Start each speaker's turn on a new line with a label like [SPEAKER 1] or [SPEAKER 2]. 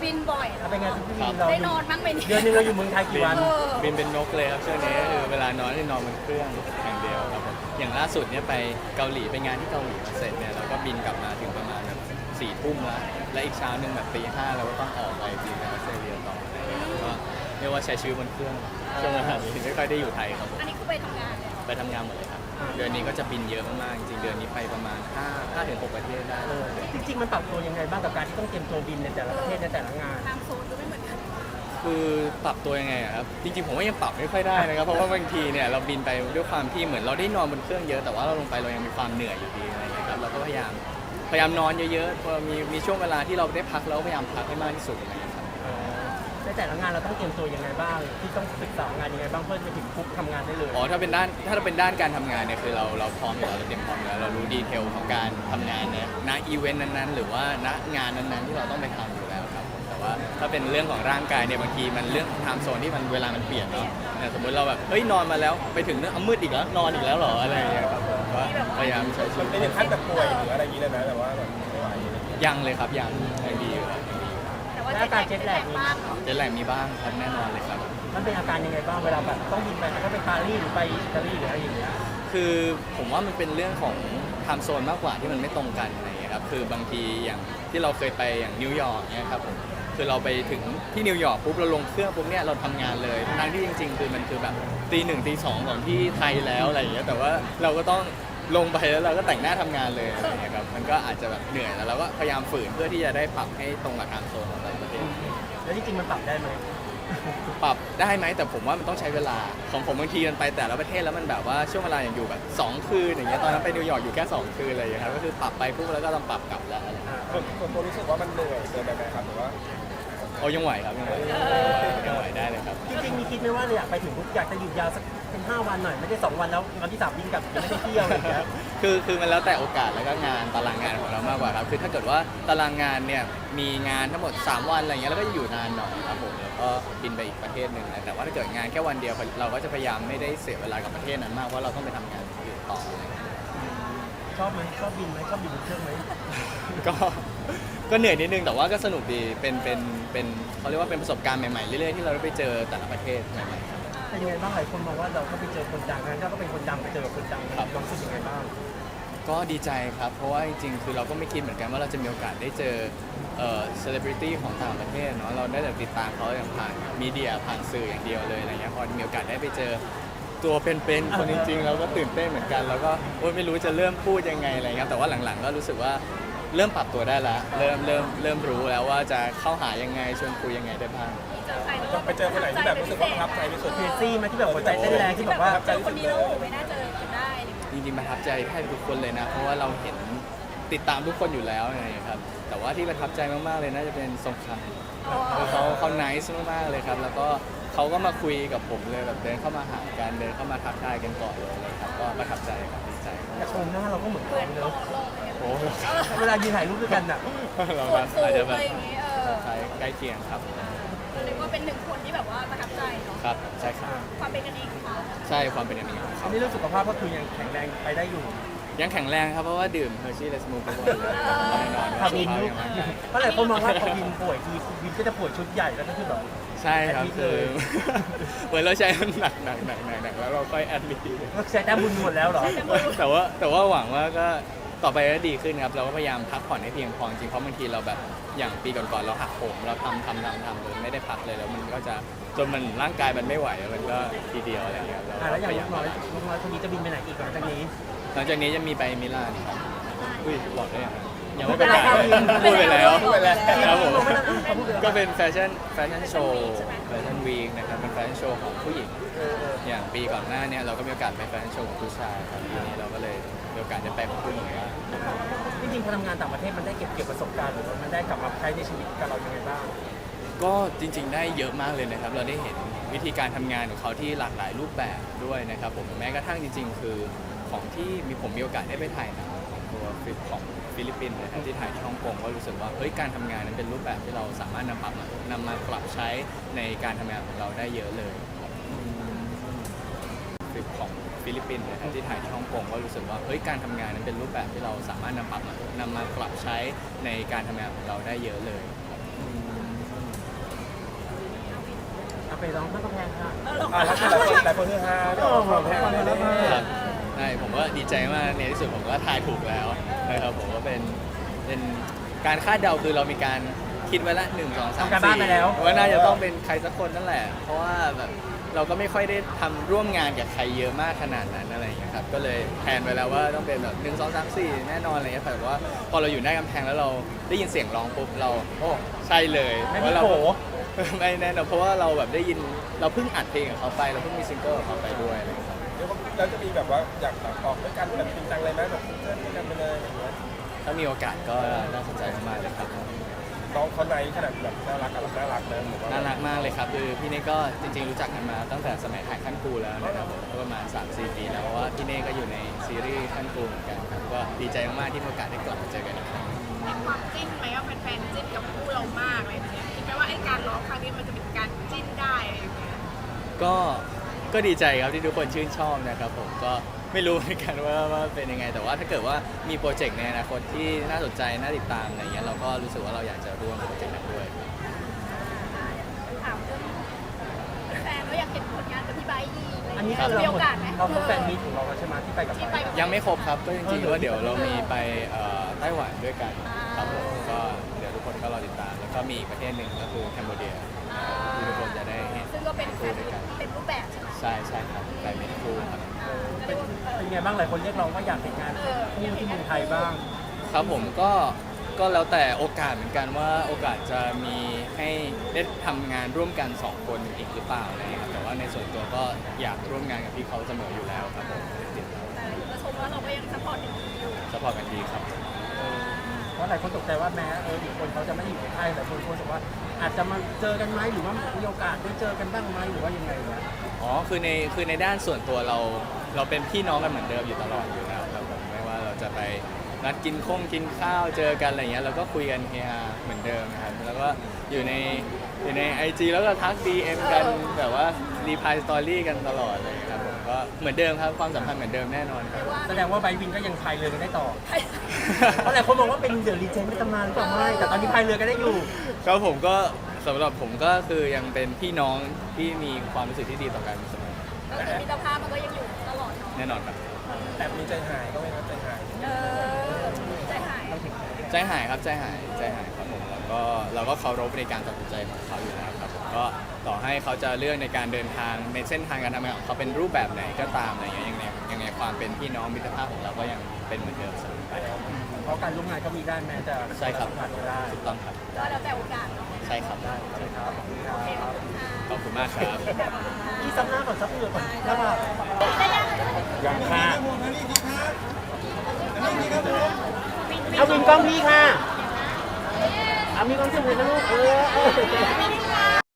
[SPEAKER 1] บินบ่อยเหรอ
[SPEAKER 2] เป็นไงพี่บินเรา
[SPEAKER 1] ได้นอนบ้างไหม
[SPEAKER 2] เดือนนึงเราอยู่เมืองไทยกี่วัน
[SPEAKER 3] บินเป็นนกเลยครับช่วงนี้คือเวลานอนที่นอนบนเครื่องอย่างเดียวครับผมอย่างล่าสุดเนี่ยไปเกาหลีไปงานที่เกาหลีมาเสร็จเนี่ยเราก็บินกลับมาถึงประมาณแบบ4 ทุ่มแล้วและอีกเช้าหนึ่งแบบตี 5เราก็ต้องออกไปบินไปออสเตรเลียต่อก็เรียกว่าใช้ชีวิตบนเครื่องช่วงเวลานี้ไม่ค่อยได้อยู่ไทยครับผม
[SPEAKER 1] อันนี้คือไปทำงานเลยเหรอ
[SPEAKER 3] ไปทำงานหมดเลยครับเดือนนี้ก็จะบินเยอะมากๆจริงๆเดือนนี้ไปประมาณ5 ถึง 6 ประเทศได้
[SPEAKER 2] จริงๆมันปรับตัวยังไงบ้างกับการที่ต้องเตรียมตัวบินในแต่ละประเทศในแต่ละงาน
[SPEAKER 1] ตามโซนก็ไม่เหมือนกัน
[SPEAKER 3] คือปรับตัวยังไงอะครับจริงๆผมว่ายังปรับไม่ค่อยได้นะครับเพราะว่าบางทีเนี่ยเราบินไปด้วยความที่เหมือนเราได้นอนบนเครื่องเยอะแต่ว่าเราลงไปเรายังมีความเหนื่อยอยู่ดีอะไรอย่างเงี้ยครับเราก็พยายามนอนเยอะๆพอมีช่วงเวลาที่เราได้พักเราก็พยายามพักให้มากที่สุดอะไรอย่างเงี้ยครับ
[SPEAKER 2] ในแต่ละงานเราต้องเตรียมตัวยังไงบ้างที่ต้องศึกษางานยังไงบ้างเพื่อจะถึงปุ๊บทำงานได้เลย
[SPEAKER 3] อ๋อถ้าเป็นด้านการทำงานเนี่ยคือเราพร้อมอยู่แล้วเราเตรียมพร้อมอยู่แล้วเรารู้ดีเทลของการทำงานเนี่ยณอีเวนต์นั้นๆหรือว่าณงานนั้นๆที่เราต้องไปทำอยู่แล้วครับผมแต่ว่าถ้าเป็นเรื่องของร่างกายเนี่ยบางทีมันเรื่องของไทม์โซนที่มันเวลามันเปลี่ยนเนาะเนี่ยสมมติเราแบบเฮ้ยนอนมาแล้วไปถึงเนี่ยมืดอีกแล้วนอนอีกแล้วเหรออะไรอย่างเงี้ยครับผมก็พยายามใช้ชีวิต
[SPEAKER 4] ไม่ถึงขั้นแบบป่วยหรืออะไรอย่างนี้เลยนะแต่ว่าแบบไม่ไหว
[SPEAKER 3] ยังเลยครับยังดีอยู่ครับยังดีอยู่
[SPEAKER 1] แต่ว่าเจ็ตแลกบ้างเหรอ
[SPEAKER 3] เจตแลกมีบ้างครับแน่นอนเลยครับ
[SPEAKER 2] มันเป็นอาการยังไงบ้างเวลาแบบต้องบินไปมันก็ไปปารีสหรือไปอิตาลีหรืออะไรอย่างเงี้ย
[SPEAKER 3] คือผมว่ามันเป็นเรื่องของไทม์โซนมากกว่าที่มันไม่ตรงกันอะไรอย่างเงี้ยครับคือบางทีอย่างที่เราเคยไปอย่างนิวยอร์กเนี่ยครับผมคือเราไปถึงที่นิวยอร์กปุ๊บเราลงเครื่องปุ๊บเนี่ยเราทำงานเลยทั้งที่จริงๆคือมันคือแบบตี 1 ตี 2ของที่ไทยแล้วอะไรอย่างเงี้ยแต่ว่าเราก็ต้องลงไปแล้วเราก็แต่งหน้าทำงานเลยอะไรอย่างเงี้ยครับมันก็อาจจะแบบเหนื่อยแล้วเราก็พยายามฝืนเพื่อที่จะได้ปรับให้ตรงกับไทม์โซนของแต่ละประเทศ
[SPEAKER 2] แล้วจริงๆมันปรับได้ไหม
[SPEAKER 3] ปรับได้ไหมแต่ผมว่ามันต้องใช้เวลาของผมบางทีมันไปแต่ละประเทศแล้วมันแบบว่าช่วงเวลาอย่างอยู่แบบ2 คืนอย่างเงี้ยตอนนั้นไปนิวยอร์กอยู่แค่2 คืนอะไรอย่างเงี้ยครับก็คือปรับไปปุ๊บแล้วก็ต้องปรับกลับแล้วอะไรอย่างเงี้ย
[SPEAKER 4] ส่วนตัวรู้สึกว่ามันเหนื่อยเกินไปไหมครับหรือว่า
[SPEAKER 3] โอ้ยังไหวครับยังไหวได้เลยครับ
[SPEAKER 2] จริงๆมีคิดไหมว่าอยากไปถึงปุ๊บอยากจะหยุดยาวสักเป็น5 วันหน่อยไม่ได้2 วันแล้ววันที่3บินกลับยังไม่ได้เที่ยวอะไรอย่างเงี้ย
[SPEAKER 3] คือมันแล้วแต่โอกาสแล้วก็งานตารางงานของเรามากกว่าครับคือถ้าเกิดว่าตารางงานเนี่ยมีงานทั้งหมด3 วันอะไรเงี้ยแล้วก็จะอยู่นานหน่อยครับผมแล้วก็บินไปอีกประเทศหนึ่งนะแต่ว่าถ้าเกิดงานแค่วันเดียวเราก็จะพยายามไม่ได้เสียเวลากับประเทศนั้นมากเพราะเราต้องไปทำงานอื่นต่ออะไรเงี้ย
[SPEAKER 2] ชอบไหมชอบบินไหมชอบบินบนเครื่องไหม
[SPEAKER 3] ก็เหนื่อยนิดนึงแต่ว่าก็สนุกดีเป็นเขาเรียกว่าเป็นประสบการณ์ใหม่ๆเรื่อยๆที่เราได้ไปเจอแต่ละประเทศใหม่ๆครับ
[SPEAKER 2] เป็นยังไงบ้างหลายคนมองว่าเราก็ไปเจอคนดังงั้นเราก็เป็นคนดังไปเจอคนดัง
[SPEAKER 3] ครับ
[SPEAKER 2] ความรู้สึกยังไงบ้าง
[SPEAKER 3] ก็ดีใจครับเพราะว่าจริงๆคือเราก็ไม่คิดเหมือนกันว่าเราจะมีโอกาสได้เจอเซเลบริตี้ของต่างประเทศเนาะเราได้แต่ติดตามเขาอย่างผ่านมีเดียผ่านสื่ออย่างเดียวเลยอะไรเงี้ยพอมีโอกาสได้ไปเจอตัวเป็นๆคนจริงๆเราก็ตื่นเต้นเหมือนกันแล้วก็โอ๊ยไม่รู้จะเริ่มพูดยังไงอะไรเงี้ยแต่ว่าหลังๆก็รู้สึกว่าเริ่มปรับตัวได้แล้วเริ่มรู้แล้วว่าจะเข้าหายังไงชวนคุยยังไงได้บ้าง
[SPEAKER 1] เจอใครแล้ว
[SPEAKER 4] ไปเจอคนไหนที่แบบรู้สึกว่าประทับใจที่สุด
[SPEAKER 2] เคซี่ไหมที่แบบหัวใจเต้นแรงที่แบบว่า
[SPEAKER 1] เจอคนนี้แล้วไม่น่าเจอกันได้อะไรอย่างเงี้ย
[SPEAKER 3] จริงๆประทับใจแทบทุกคนเลยนะเพราะว่าเราเห็นติดตามทุกคนอยู่แล้วไงครับแต่ว่าที่ประทับใจมากๆเลยน่าจะเป็นสงครามเขาไนซ์มากๆเลยครับแล้วก็เขาก็มาคุยกับผมเลยแบบเดินเข้ามาหากันเดินเข้ามาทักทายกันก่อนเลยครับก็ประทับใจครับดีใจ
[SPEAKER 2] แต่ชมหน้าเราก็เหมือน
[SPEAKER 1] เพื่
[SPEAKER 2] กั
[SPEAKER 1] อน
[SPEAKER 2] น
[SPEAKER 1] โล
[SPEAKER 2] เนอะ
[SPEAKER 1] กอะไรเงี้ย
[SPEAKER 3] โอ้โห
[SPEAKER 2] เวลายืนถ่ายรูปด้วยกันน่ะ
[SPEAKER 3] เรา
[SPEAKER 1] ส่วนสูง
[SPEAKER 3] อาจจะแบ
[SPEAKER 1] อะ
[SPEAKER 3] บ
[SPEAKER 1] ไรอย่างเงี้ย
[SPEAKER 3] ใกล้เคียงครับ
[SPEAKER 1] เรียกว่าเป็นหนึ่งคนที่แบบว่าประทับใจเนาะ
[SPEAKER 3] ครับใช่ครับ
[SPEAKER 1] ความเป็นกันเองของเขา
[SPEAKER 3] ใช่ความเป็นอย่างนี้ของ
[SPEAKER 2] อั
[SPEAKER 3] เขา
[SPEAKER 2] นนี้เรื่องสุขภาพก็คือยังแข็งแรงไปได้อยู่
[SPEAKER 3] ยังแข็งแรงครับเพราะว่าดื่มเฮอร์ชี่เลสมูทุกวันเลยแน่นอน
[SPEAKER 2] พาวิน
[SPEAKER 3] สุ
[SPEAKER 2] ลู
[SPEAKER 3] ข
[SPEAKER 2] ก
[SPEAKER 3] ภาพยังไม่
[SPEAKER 2] เพราะหลายคนมองว่าพอวินป่วยทีวินก็จะป่วยชุดใหญ่แล้วก็คือแบบ
[SPEAKER 3] ใช่ครับ
[SPEAKER 2] แอดมิด
[SPEAKER 3] คื
[SPEAKER 2] เล
[SPEAKER 3] อย เหมือนเราใช้มันหนักแล้วเราค่อยแอดมิด
[SPEAKER 2] ก็ใช้แต้มบุญหมดแล้วเหรอ
[SPEAKER 3] แต่ว่าหวังว่าก็ต่อไปก็ดีขึ้นครับเราก็พยายามพักผ่อนให้เพียงพอจริงเพราะบางทีเราแบบอย่างปีก่อนๆเราหักโหมเราทำเลยไม่ได้พักเลยแล้วมันก็จะจนมันร่างกายมันไม่ไหวแล้วมันก็ทีเดียวอะไรอย่างเงี้ยเรา
[SPEAKER 2] แล้วอย่าง
[SPEAKER 3] พยา
[SPEAKER 2] ลู
[SPEAKER 3] ยาม
[SPEAKER 2] กน้อยคนนี้จะบินไปไหนอีกหลังจากนี้
[SPEAKER 3] หลังจากนี้จะมีไปมิลานครับอุ้ยบอกได้ยังไม่
[SPEAKER 2] ไม่เป็
[SPEAKER 3] เป็น น
[SPEAKER 2] ไร
[SPEAKER 3] ไร
[SPEAKER 2] ครับ
[SPEAKER 3] พูดไปแล้ว
[SPEAKER 4] พูดไปแล้ว
[SPEAKER 3] ครับผม
[SPEAKER 2] เขาพูดไปแล้ว
[SPEAKER 3] ก็เป็นแฟชั่นโชว์แฟชั่นวีคนะครับเป็นแฟชั่นโชว์ของผู้หญิง อย่างปีก่อนหน้าเนี่ยเราก็มีโอกาสไปแฟชั่นโชว์ของผู้ชายครับปีนี้เราก็เลยมีโอกาสได้ไปของผู้หญิงบ้าง
[SPEAKER 2] จริงๆพอทำงานต่างประเทศมันได้เก็บประสบการณ์หรือว่ามันได้กลับมาใช้ในชีวิตกับเรายังไงบ้าง
[SPEAKER 3] ก็จริงๆได้เยอะมากเลยนะครับเราได้เห็นวิธีการทำงานของเขาที่หลากหลายรูปแบบด้วยนะครับผมแม้กระทั่งจริงๆ คือของที่ผมมีโอกาสได้ไปถ่ายหนังของตัวของฟิลิปปินส์นะครับที่ถ่ายที่ฮ่องกงก็รู้สึกว่าเฮ้ยการทำงานนั้นเป็นรูปแบบที่เราสามารถนำมาปรับใช้ในการทำงานของเราได้เยอะเลยของฟิลิปปินส์นะครับที่ถ่ายที่ฮ่องกงก็รู้สึกว่าเฮ้ยการทำงานนั้นเป็นรูปแบบที่เราสามารถนำมาปรับใช้ในการทำงานของเราได้เยอะเลย
[SPEAKER 2] ไปร้องเพื่อนกำแพงค่ะ
[SPEAKER 4] แล้วหลายคนคือฮาที่ออกมาแพ้เลย
[SPEAKER 3] ครับใช่ผมก็ดีใจมากในที่สุดผมก็ทายถูกแล้วนะครับผมก็เป็นการคาดเดาคือเรามีการคิดไว้ละ1 2 3
[SPEAKER 2] ทำการบ้านไปแล้ว
[SPEAKER 3] 4ว่าน่าจะต้องเป็นใครสักคนนั่นแหละ เพราะว่าแบบเราก็ไม่ค่อยได้ทำร่วมงานกับใครเยอะมากขนาดนั้นอะไรอย่างเงี้ยครับก็เลยแพลนไว้แล้วว่าต้องเป็นแบบ1 2 3 4แน่นอนอะไรเงี้ยแต่ว่าพอเราอยู่หน้ากำแพงแล้วเราได้ยินเสียงร้องปุ๊บเราโอ้ใช่เลย
[SPEAKER 2] ไม่
[SPEAKER 3] เพ
[SPEAKER 2] มี
[SPEAKER 3] ราะเรา
[SPEAKER 2] โผ
[SPEAKER 3] ไม่แน่นอนเพราะว่าเราแบบได้ยินเราเพิ่งอัดเพลงกับเขาไปเราเพิ่งมีซิงเกิลกับเขาไปด้วยอะไรอย่างเงี้ยครับ
[SPEAKER 4] แล้วจะมีแบบว่าอยากออกด้วยกันแบบจริงจังเลยไหมแบบเพื่อนด้วยกันไปเลยอะไรอย่างเงี้ย
[SPEAKER 3] ถ้ามีโอกาสก็น่าสนใจมากๆเลยครับ
[SPEAKER 4] น้องเขาในขนาดแบบน่ารักกับน่ารักนะผมว่า
[SPEAKER 3] น่ารักมากเลยครับคือพี่เน่ก็จริงๆรู้จักกันมาตั้งแต่สมัยถ่ายขั้นครูแล้วนะครับก็ประมาณ 3-4 ปีแล้วเพราะว่าพี่เน่ก็อยู่ในซีรีส์ขั้นครูเหมือนกันครับก็ดีใจมากๆที่มีโอกาสได้กลับมาเจอกันอีกครั้ง
[SPEAKER 5] มีความจิ้นไหมว่าแฟนๆจิ้นกับคู่เรามากอะไรอย่างเงี้ยคิดไหมว่าไอ้การร้องครั้งนี้มันจะเป็นการจิ้นได้อะไรอย่างเงี้ย
[SPEAKER 3] ก็ดีใจครับที่ทุกคนชื่นชอบนะครับผมก็ไม่รู้เหมือนกันว่าเป็นยังไง แต่ว่าถ้าเกิดว่ามีโปรเจกต์ในอนาคตที่น่าสนใจน่าติดตามอะไรเงี้ยเราก็รู้สึกว่าเราอยากจะร่วมโปรเจกต์นั้นด้วย
[SPEAKER 1] ถามเรื่องแฟนก็อยากเห็นผลงานกับพี่ไบร์ทอีกอะไร
[SPEAKER 2] อันนี้
[SPEAKER 1] เงี้ย
[SPEAKER 2] คือ
[SPEAKER 1] มีโอกาสไหม
[SPEAKER 2] เราครบแฟนมีตของเราแล้วใช่ไหมที่ไปกับ
[SPEAKER 1] ที่
[SPEAKER 2] ไป
[SPEAKER 1] ไปกับ
[SPEAKER 3] ยังไม่ครบครับก็จริงๆว่าเดี๋ยวเรามีไปไต้หวันด้วยกันครับผมก็เดี๋ยวทุกคนก็รอติดตามแล้วก็มีอีกประเทศหนึ่งก็คือแคนเบเดียที่ทุกคนจะได้เห็น
[SPEAKER 1] ซึ่งก็เป็นแฟนเต็มรูปแบบใช่ไหม
[SPEAKER 3] ใช่ครับไปเมนคูครับ
[SPEAKER 1] ก็เรียกว่า
[SPEAKER 2] เป็นไงบ้างหลายคนเรียกร้องว่าอยากเห็นงานคู่ที่เมืองไทยบ้าง
[SPEAKER 3] ครับผมก็แล้วแต่โอกาสเหมือนกันว่าโอกาสจะมีให้ได้ทำงานร่วมกัน2 คนอีกหรือเปล่าอะไรอย่างเงี้ยครับแต่ว่าในส่วนตัวก็อยากร่วมงานกับพี่เขาเสมออยู่แล้วครับผมติด
[SPEAKER 1] แต่ก็ชมว่าเราก็ยังซัพพอร์ตอยู่
[SPEAKER 3] สปอร์ตกันดีครับ
[SPEAKER 2] เพราะหลายคนตกใจว่าแม้อีกคนเขาจะไม่อยู่ในไทยแต่คนรู้สึกว่าอาจจะมาเจอกันไหมหรือว่ามีโอกาสได้เจอกันบ้างไหมหรือว่ายังไงเนี่ย
[SPEAKER 3] อ๋อคือในด้านส่วนตัวเราเป็นพี่น้องกันเหมือนเดิมอยู่ตลอดอยู่แล้วครับผมไม่ว่าเราจะไปนัดกินข้าวเจอกันอะไรเงี้ยเราก็คุยกันเฮฮาเหมือนเดิมนะครับแล้วก็อยู่ใน IG แล้วก็ทัก DM กันแบบว่ารีพายสตอรี่กันตลอดเลยครับผมก็เหมือนเดิมครับความสัมพันธ์เหมือนเดิมแน่นอนครับ
[SPEAKER 2] แสดงว่าไบวินก็ยังพายเรือกันได้ต่อ เพราะหลายคนมองว่าเป็นเดอะรีเจนต์ในตำนานหรือเปล่าไม่แต่ตอนนี้พายเรือกันได้อยู่
[SPEAKER 3] ครับผมก็สำหรับผมก็คือยังเป็นพี่น้องที่มีความรู้สึกที่ดีต่อกันเสมอ
[SPEAKER 1] ก็คือมิตรภาพมันก็ยังอยู่ตลอดเนาะ
[SPEAKER 3] แน่นอนครับ
[SPEAKER 4] แต่มีใจหายก็ไม่ครับใจหาย
[SPEAKER 1] ใจหาย
[SPEAKER 3] ใจหายครับใจหายครับผมแล้วก็เราก็เคารพในการตัดสินใจของเขาอยู่แล้วครับผมก็ต่อให้เขาจะเลือกในการเดินทางในเส้นทางการทำงานของเขาเป็นรูปแบบไหนก็ตามอะไรเงี้ยยังไงความเป็นพี่น้องมิตรภาพของเราก็ยังเป็นเหมือนเดิมเสมอไป
[SPEAKER 2] เพราะการร่วมงานก็มีได้แม้จะ
[SPEAKER 3] ใช่ครับ
[SPEAKER 2] ผ่านไม่ได้
[SPEAKER 3] ถูกต้องครับ
[SPEAKER 1] ก็แล้วแต่โอกาสเนาะ
[SPEAKER 3] ใช่ครับ
[SPEAKER 2] ใช่ครับ
[SPEAKER 1] โอเคขอบคุณค่ะ
[SPEAKER 3] ขอบคุณมากครับ
[SPEAKER 2] ที่ซับหน้าก่อนซับเหงื่อก่อนแล้วมา
[SPEAKER 1] ได้ยัง
[SPEAKER 2] อย่างค่ะเอาวินกล้องพี่ค่ะเอามีความสุขเลยนะลูก